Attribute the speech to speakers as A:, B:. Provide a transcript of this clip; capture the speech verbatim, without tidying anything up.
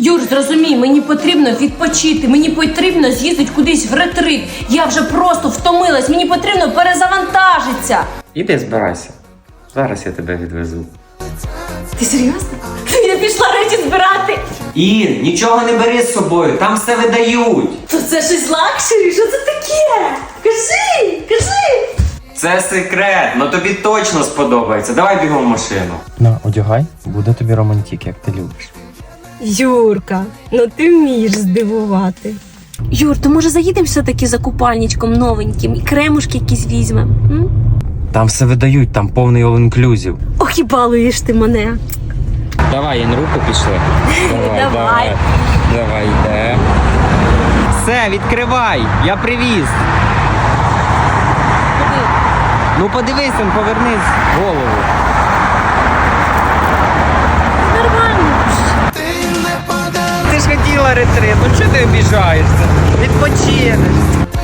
A: Юр, зрозумій, мені потрібно відпочити, мені потрібно з'їздити кудись в ретрит. Я вже просто втомилась, мені потрібно перезавантажитися.
B: Іди збирайся. Зараз я тебе відвезу.
A: Ти серйозно? Я пішла речі збирати.
B: Ін, нічого не бери з собою, там все видають.
A: То це щось лакшері? Що це таке? Кажи, кажи.
B: Це секрет, ну тобі точно сподобається. Давай бігом в машину.
C: На, одягай, буде тобі романтик, як ти любиш.
A: Юрка, ну ти вмієш здивувати. Юр, то може заїдемо все-таки за купальничком новеньким і кремушки якісь візьмемо? М?
C: Там все видають, там повний all-inclusive.
A: Ох, і балуєш ти мене.
C: Давай, Ін, руку пішли. Давай,
A: Давай.
C: давай. Давай, йде. Все, відкривай, я привіз. Ну подивись, он, повернись голову.
A: Нормально.
C: Ти ж хотіла ретрит, ну чого ти обіжаєшся? Відпочинеш.